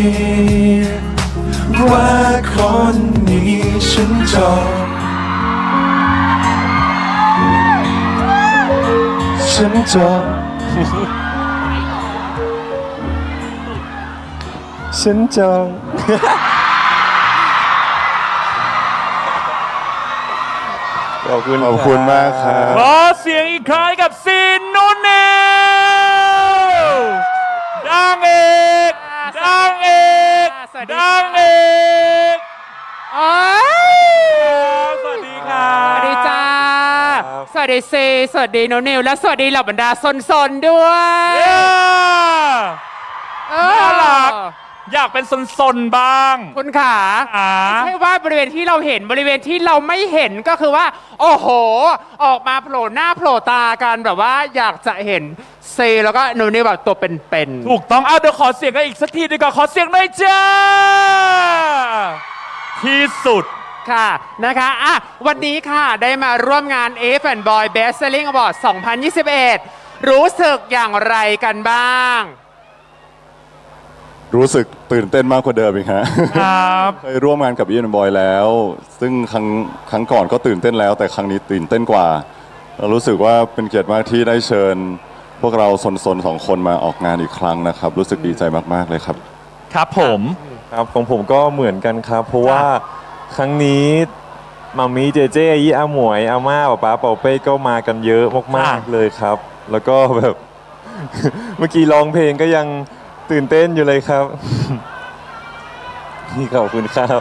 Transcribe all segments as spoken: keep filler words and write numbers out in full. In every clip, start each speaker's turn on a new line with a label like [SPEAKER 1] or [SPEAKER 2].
[SPEAKER 1] ว่าคนนี้ฉันจองฉันจองฉันจองขอบคุณขอบคุณมากครับ
[SPEAKER 2] ขอเสียงอีกครั้งกับซีนนุ่นเนลดังเอกดังเอกดังเอกสวัสดีค่ะ
[SPEAKER 3] สวัสดีจ้าสวัสดีซีสวัสดีโนนิวและสวัสดีเหล่าบรรดาซนๆด้วย
[SPEAKER 2] น่ารักอยากเป็นซนๆบ้าง
[SPEAKER 3] คุณขาไม่ใช่ว่าบริเวณที่เราเห็นบริเวณที่เราไม่เห็นก็คือว่าโอ้โหออกมาโผล่หน้าโผล่ตากันแบบว่าอยากจะเห็นเซแล้วก็โนนิวแบบตัวเป็น
[SPEAKER 2] ๆถูกต้องเอาเดี๋ยวขอเสียงกันอีกสักทีดีกว่าขอเสียงหน่อยจ้าที่สุด
[SPEAKER 3] ค่ะนะคะอ่ะวันนี้ค่ะได้มาร่วมงาน F and Boy Best Selling Award สองพันยี่สิบเอ็ดรู้สึกอย่างไรกันบ้าง
[SPEAKER 1] รู้สึกตื่นเต้นมากกว่าเดิมอีกฮะ
[SPEAKER 2] ครับ
[SPEAKER 1] เคยร่วมงานกับอีฟแอนด์บอยแล้วซึ่งครั้งครั้งก่อนก็ตื่นเต้นแล้วแต่ครั้งนี้ตื่นเต้นกว่าเรารู้สึกว่าเป็นเกียรติมากที่ได้เชิญพวกเราสนๆสองคนมาออกงานอีกครั้งนะครับรู้สึกดีใจมากๆเลยครับ
[SPEAKER 2] ครับผม
[SPEAKER 4] ครับของผมก็เหมือนกันครับเพราะว่าครั้งนี้มามีเจเจยี่อาหมวยอาม่าป๊าป๊าเป่าเป้ก็มากันเยอะมากๆเลยครับแล้วก็แบบ เมื่อกี้ร้องเพลงก็ยังตื่นเต้นอยู่เลยครับนี่ขอบคุณครับ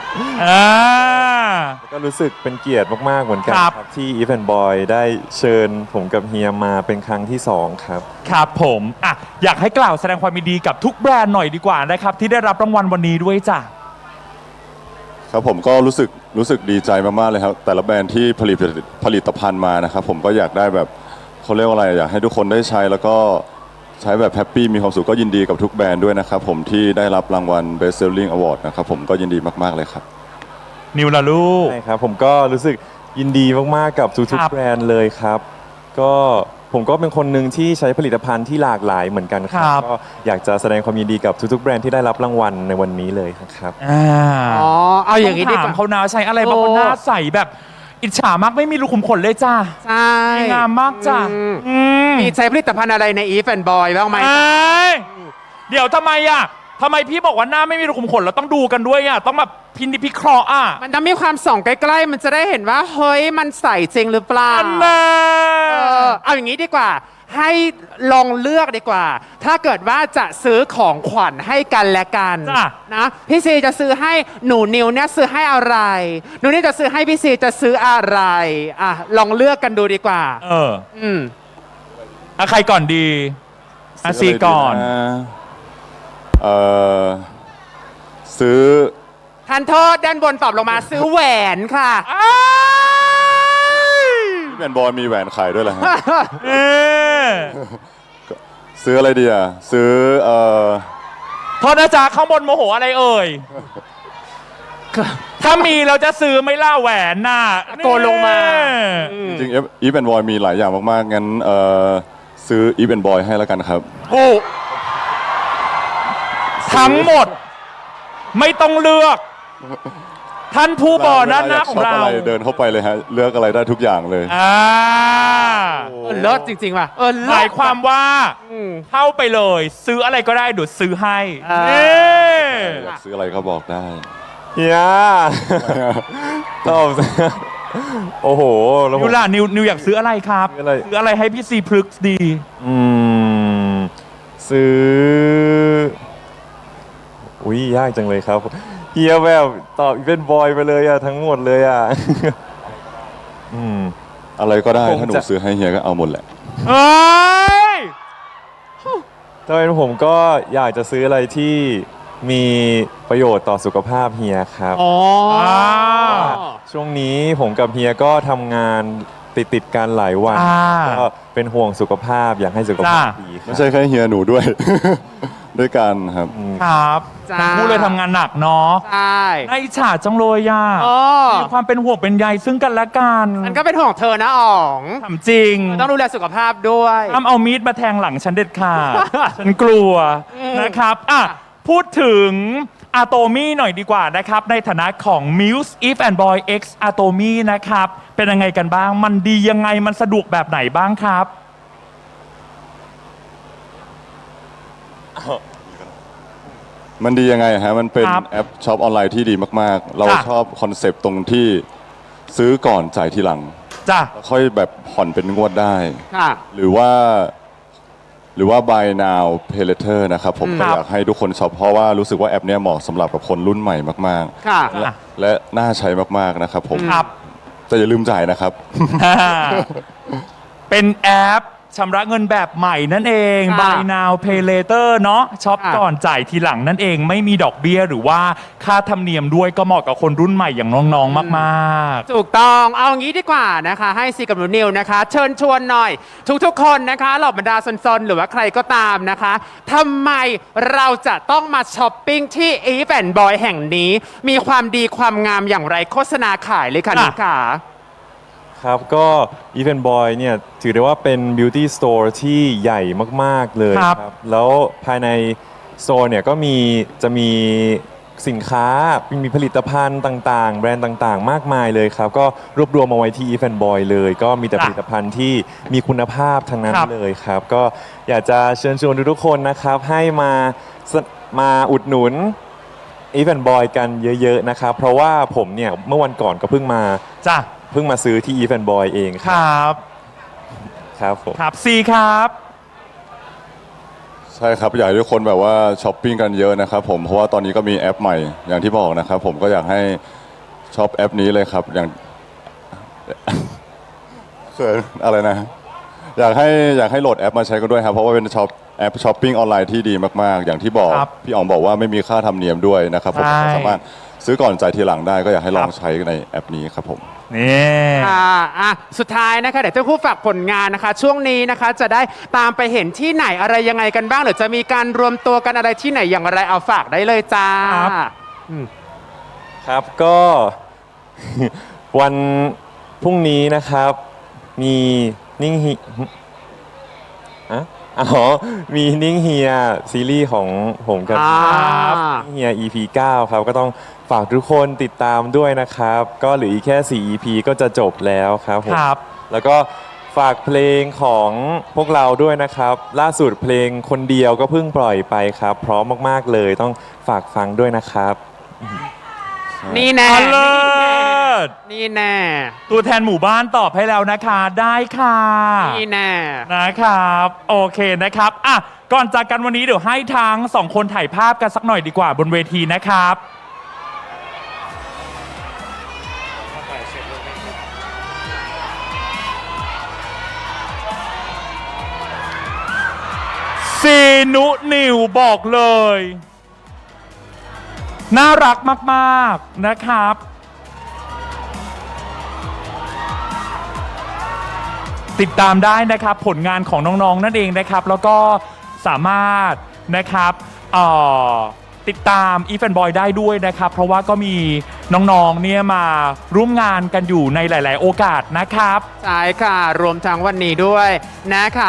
[SPEAKER 4] ก็รู้สึกเป็นเกียรติมากๆเหมือนกันครับที่ If and Boy ได้เชิญผมกับเฮียมาเป็นครั้งที่สองครับ
[SPEAKER 2] ครับผมอ่ะอยากให้กล่าวแสดงความยินดีกับทุกแบรนด์หน่อยดีกว่านะครับที่ได้รับรางวัลวันนี้ด้วยจ้ะ
[SPEAKER 1] ครับผมก็รู้สึกรู้สึกดีใจมากๆเลยครับแต่ละแบรนด์ที่ผลิตผลิตภัณฑ์มานะครับผมก็อยากได้แบบเขาเรียกว่าอะไรอยากให้ทุกคนได้ใช้แล้วก็ใช้แบบแฮปปี้มีความสุขก็ยินดีกับทุกแบรนด์ด้วยนะครับผมที่ได้รับรางวัล Best Selling Award นะครับผมก็ยินดีมากๆเลยครับ
[SPEAKER 2] นิวล่ะลูก
[SPEAKER 4] ใช่ครับผมก็รู้สึกยินดีมากๆกับทุกๆแบรนด์เลยครับก็ผมก็เป็นคนหนึ่งที่ใช้ผลิตภัณฑ์ที่หลากหลายเหมือนกันครับก็อยากจะแสดงความยินดีกับทุกๆแบรนด์ที่ได้รับรางวัลในวันนี้เลยครับ
[SPEAKER 3] อ๋อเอาอย่างนี้ดีกว่า
[SPEAKER 2] เขานาใช้อะไรบางคนหน้าใสแบบอิจฉามากไม่มีรูขุมขนเลยจ้า
[SPEAKER 3] ใช่
[SPEAKER 2] งามมากจ้า
[SPEAKER 3] มีใช้ผลิตภัณฑ์อะไรใน If and Boy บ้างไหม
[SPEAKER 2] เดี๋ยวทำไมอ่ะทำไมพี่บอกว่าหน้าไม่มีรูขุมขนเราต้องดูกันด้วยอ่ะต้องแบบพินิจพิเคราะห์อ่ะ
[SPEAKER 3] มันจะมีความส่องใกล้ๆมันจะได้เห็นว่าเฮ้ยมันใสจริงหรือเปล่าเอาอย่างนี้ดีกว่าให้ลองเลือกดีกว่าถ้าเกิดว่าจะซื้อของขวัญให้กันและกันนะพี่ซีจะซื้อให้หนูนิวเนี่ยซื้อให้อะไรหนูนิวจะซื้อให้พี่ซีจะซื้ออะไรอ่ะลองเลือกกันดูดีกว่า
[SPEAKER 2] เอออืมอ่ะใครก่อนดีอ่ะซีก่อน
[SPEAKER 1] เอ่อซื้อ
[SPEAKER 3] ทานโทษด้านบนตอบลงมาซื้อแหวนค่ะ
[SPEAKER 1] พี่แอนบอยมีแหวนขายด้วยเหรอฮะซื้ออะไรดีอ่ะซื้อเอ่อ
[SPEAKER 2] โทษนะจ๊ะข้างบนโมโหอะไรเอ่ยถ้ามีเราจะซื้อไม่ล่าแหวนน่ะ
[SPEAKER 3] โกนลงมา
[SPEAKER 1] จริงๆอีฟแอนบอยมีหลายอย่างมากๆงั้นเอ่อซื้ออีฟแอนบอยให้แล้วกันครับ
[SPEAKER 2] โอ้ทั้งหมดไม่ต้องเลือกท่านผู้บ่อนั้นนะของเรา
[SPEAKER 1] เดินเข้าไปเลยฮะเลือกอะไรได้ทุกอย่างเลย
[SPEAKER 2] อ่า
[SPEAKER 3] เลิศจริงๆว่ะ
[SPEAKER 2] เออหมายความว่าเข้าไปเลยซื้ออะไรก็ได้ดูซื้อให้
[SPEAKER 1] อยากซื้ออะไรก็บอกได้
[SPEAKER 4] เฮียตอบโอ้โห
[SPEAKER 2] นิวล่ะนิวนิวอยากซื้ออะไรครับซื้ออะไรให้พี่ซีพลึกดี
[SPEAKER 4] อืมซื้ออุ้ยยากจังเลยครับเฮียแบบตอบเป็นบอยไปเลยอะทั้งหมดเลยอะ
[SPEAKER 1] อืมอะไรก็ได้ถ้าหนูซื้อให้เฮียก็เอาหมดแหละ
[SPEAKER 2] เฮ้ย
[SPEAKER 4] ถ้าเป็นผมก็อยากจะซื้ออะไรที่มีประโยชน์ต่อสุขภาพเฮียครับ
[SPEAKER 3] อ๋อ
[SPEAKER 4] ช่วงนี้ผมกับเฮียก็ทำงานติดติดกันหลายวันก็เป็นห่วงสุขภาพอยากให้สุขภาพดี
[SPEAKER 1] ไม่ใช่แค่เฮียหนูด้วยด้วยกันครับ
[SPEAKER 2] ครับทั้งคู่เลยทำงานหนักเนาะ
[SPEAKER 3] ใช่
[SPEAKER 2] น่าอิจฉาจังเลยอ่ะมีความเป็นห่วงเป็นใยซึ่งกันและกัน
[SPEAKER 3] ฉันก็เป็นห่วงเธอนะอ๋อง
[SPEAKER 2] ทำจริง
[SPEAKER 3] ต้องดูแลสุขภาพด้วย
[SPEAKER 2] ห้ามเอามีดมาแทงหลังฉันเด็ดขาดฉันกลัวนะครับอ่ะพูดถึงอะโตมี่หน่อยดีกว่านะครับ ในฐานะของ Muse Eve and Boy X Atomy นะครับ เป็นยังไงกันบ้าง มันดียังไงมันสะดวกแบบไหนบ้างครับ
[SPEAKER 1] มันดียังไงฮะ มันเป็น
[SPEAKER 2] ครับ
[SPEAKER 1] แอปช็อปออนไลน์ที่ดีมากๆ เรา
[SPEAKER 2] ค่ะ
[SPEAKER 1] ชอบคอนเซปต์ตรงที่ซื้อก่อนจ่ายทีหลัง
[SPEAKER 2] จ้ะ
[SPEAKER 1] ค่อยแบบผ่อนเป็นงวดได้
[SPEAKER 3] ค่ะ
[SPEAKER 1] หรือว่า หรือว่า buy now pay later นะครับผม
[SPEAKER 2] ค
[SPEAKER 1] ก็
[SPEAKER 2] รับ
[SPEAKER 1] อยากให้ทุกคนช็อปเพราะว่ารู้สึกว่าแอปเนี้ยเหมาะสำหรับกับคนรุ่นใหม่มาก
[SPEAKER 3] ค่ะ
[SPEAKER 1] ๆ และและน่าใช้มากๆนะครับผม
[SPEAKER 2] ครับ
[SPEAKER 1] แต่อย่าลืมจ่ายนะครับ
[SPEAKER 2] เป็นแอปชำระเงินแบบใหม่นั่นเอง
[SPEAKER 3] ค่ะ
[SPEAKER 2] Buy now pay later เนาะช็อป
[SPEAKER 3] ค่ะ
[SPEAKER 2] ก่อนจ่ายทีหลังนั่นเอง ไม่มีดอกเบี้ยหรือว่าค่าธรรมเนียมด้วยก็เหมาะกับคนรุ่นใหม่อย่างน้องๆมากๆ
[SPEAKER 3] ถูกต้องเอางี้ดีกว่านะคะ ให้ซีกับหนูนิวนะคะ เชิญชวนหน่อย ทุกๆคนนะคะเหล่าบรรดาซนๆ หรือว่าใครก็ตามนะคะทำไมเราจะต้องมาช้อปปิ้งที่ Eve and Boy แห่งนี้ มีความดีความงามอย่างไรโฆษณาขายเลยค่ะ
[SPEAKER 2] ค่ะ
[SPEAKER 3] นิกา
[SPEAKER 4] ครับก็ Even Boy เนี่ยถือได้ว่าเป็น beauty store ที่ใหญ่มาก ๆ เลย
[SPEAKER 2] ครับ
[SPEAKER 4] ครับแล้วภายใน store เนี่ยก็มีจะมีสินค้ามีผลิตภัณฑ์ต่างๆ แบรนด์ต่างๆ มากมายเลยครับ ก็รวบรวมมาไว้ที่ Even Boy เลย ก็มีแต่
[SPEAKER 2] จ้ะ
[SPEAKER 4] ผลิตภัณฑ์ที่มีคุณภาพทั้งนั้น
[SPEAKER 2] ครับ
[SPEAKER 4] เลยครับ ก็อยากจะเชิญชวนทุกๆคนนะครับ ให้มาสมาอุดหนุน Even Boy กันเยอะๆนะครับ เพราะว่าผมเนี่ยเมื่อวันก่อนก็เพิ่งมา
[SPEAKER 2] จ้ะ
[SPEAKER 4] เพิ่งมาซื้อที่ Even Boy เอง
[SPEAKER 2] ค
[SPEAKER 4] ครับ
[SPEAKER 2] รับ
[SPEAKER 4] ครับผม
[SPEAKER 2] ครับซีครับ
[SPEAKER 1] ใช่ครับอยากให้ทุกคนแบบว่าช้อปปิ้งกันเยอะนะครับผมเพราะว่าตอนนี้ก็มีแอปใหม่อย่างที่บอกนะครับผมก็อยากให้ช็อปแอปนี้เลยครับอย่าง เขินอะไรนะ อยากให้อยากให้โหลดแอปมาใช้กันด้วยครับเพราะว่าเป็นช็อปแอปช้อปปิ้งออนไลน์ที่ดีมากๆ อย่างที่บอก
[SPEAKER 2] ครับ
[SPEAKER 1] พี่อ๋องบอกว่าไม่มีค่าธรรมเนียมด้วยนะครับผม
[SPEAKER 2] ใช่
[SPEAKER 1] สามารถซื้อก่อนจ่ายทีหลังได้ก็อยากให้ลอ
[SPEAKER 2] ค
[SPEAKER 1] ง
[SPEAKER 2] รับ
[SPEAKER 1] ใช้ในแอปนี้ครับผม
[SPEAKER 2] นี่
[SPEAKER 3] ค่ะอ่ะ สุดท้ายนะคะ เดี๋ยวเจ้าคู่ฝากผลงานนะคะ ช่วงนี้นะคะจะได้ตามไปเห็นที่ไหนอะไรยังไงกันบ้าง หรือจะมีการรวมตัวกันอะไรที่ไหนอย่างไรเอาฝากได้เลยจ้า
[SPEAKER 2] ครับ
[SPEAKER 4] ครับก็ วันพรุ่งนี้นะครับมีนิ่งฮีอะอ๋อมีนิ่งเฮียซีรีส์ของผมกับ
[SPEAKER 3] อ่า
[SPEAKER 4] นิ่งเฮีย อี พี เก้า ครับก็ต้องฝากทุกคนติดตามด้วยนะครับ ก็เหลืออีกแค่ สี่ อี พี ก็จะจบแล้วครับผม
[SPEAKER 2] ครับ
[SPEAKER 4] แล้วก็ฝากเพลงของพวกเราด้วยนะครับ ล่าสุดเพลงคนเดียวก็เพิ่งปล่อยไปครับ พร้อมมากๆเลยต้องฝากฟังด้วยนะครับ
[SPEAKER 3] นี่แน่
[SPEAKER 2] อเลิศ
[SPEAKER 3] นี่แน่
[SPEAKER 2] ตัวแทนหมู่บ้านตอบให้แล้วนะคะ ได้ค่ะ
[SPEAKER 3] นี่แน่
[SPEAKER 2] นะครับ โอเคนะครับอ่ะก่อนจากกันวันนี้เดี๋ยวให้ทั้งสองคนถ่ายภาพกันสักหน่อยดีกว่าบนเวทีนะครับ ซีนุนิวบอกเลย น่ารักมาก ๆ นะครับ ติดตามได้นะครับผลงานของน้อง ๆ นั่นเองนะครับ แล้วก็สามารถนะครับเอ่อติดตาม Eve and Boy ได้ด้วยนะครับ เพราะว่าก็มีน้องๆเนี่ยมาร่วมงานกันอยู่ในหลาย ๆ โอกาสนะครับ
[SPEAKER 3] ใช่ค่ะ รวมทั้งวันนี้ด้วยนะคะ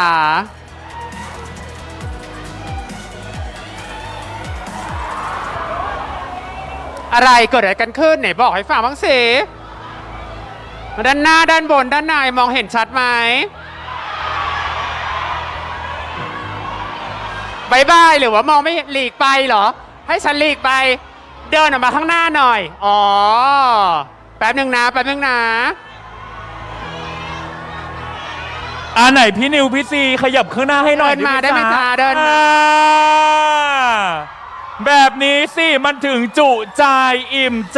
[SPEAKER 3] อะไรเกิดอะไรกันขึ้นไหนบอกให้ฟังบ้างสิด้านหน้าด้านบนด้านในมองเห็นชัดไหมบายบายหรือว่ามองไม่หลีกไปเหรอ ให้ฉันหลีกไป เดินออกมาข้างหน้าหน่อย อ๋อ แป๊บหนึ่งนะ แป๊บหนึ่งนะ
[SPEAKER 2] อ่าไหนพี่นิวพี่ซีขยับข้างหน้าให้หน่อย
[SPEAKER 3] เดินมา
[SPEAKER 2] ห
[SPEAKER 3] ได้ไหมจ๊ะเดินมา
[SPEAKER 2] อ่แบบนี้สิมันถึงจุใจอิ่มใจ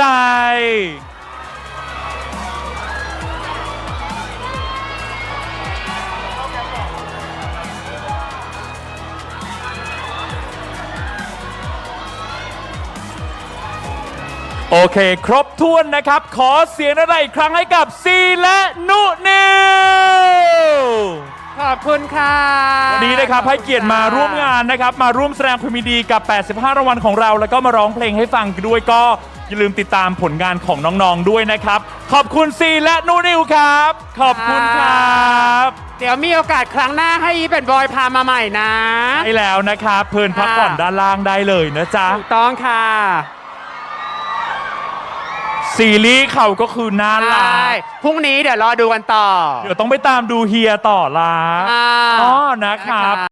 [SPEAKER 2] โอเค ครบถ้วนนะครับ ขอเสียงอะไรอีกครั้งให้กับซีและนุนิว
[SPEAKER 3] ขอบคุณค่ะ
[SPEAKER 2] วันนี้นะครับให้เกียรติมาร่วมงานนะครับ มาร่วมแสดงความยินดีกับ แปดสิบห้ารางวัลของเรา แล้วก็มาร้องเพลงให้ฟังด้วยก็อย่าลืมติดตามผลงานของน้องๆด้วยนะครับ ขอบคุณซีและนูนิวครับ ขอบคุณครับ
[SPEAKER 3] เดี๋ยวมีโอกาสครั้งหน้าให้อีเป็นบอยพามาใหม่นะ
[SPEAKER 2] ใช่แล้วนะครับ เพลินพักผ่อนด้านล่างได้เลยนะจ๊ะ
[SPEAKER 3] ถูกต้องค่ะ
[SPEAKER 2] ซีรีส์เขาก็คือน่ารั
[SPEAKER 3] ใช่
[SPEAKER 2] ก
[SPEAKER 3] พรุ่งนี้เดี๋ยวรอดูกันต่อ
[SPEAKER 2] เดี๋ยวต้องไปตามดูเฮียต่อละ
[SPEAKER 3] อ่า
[SPEAKER 2] อ๋อนะครับ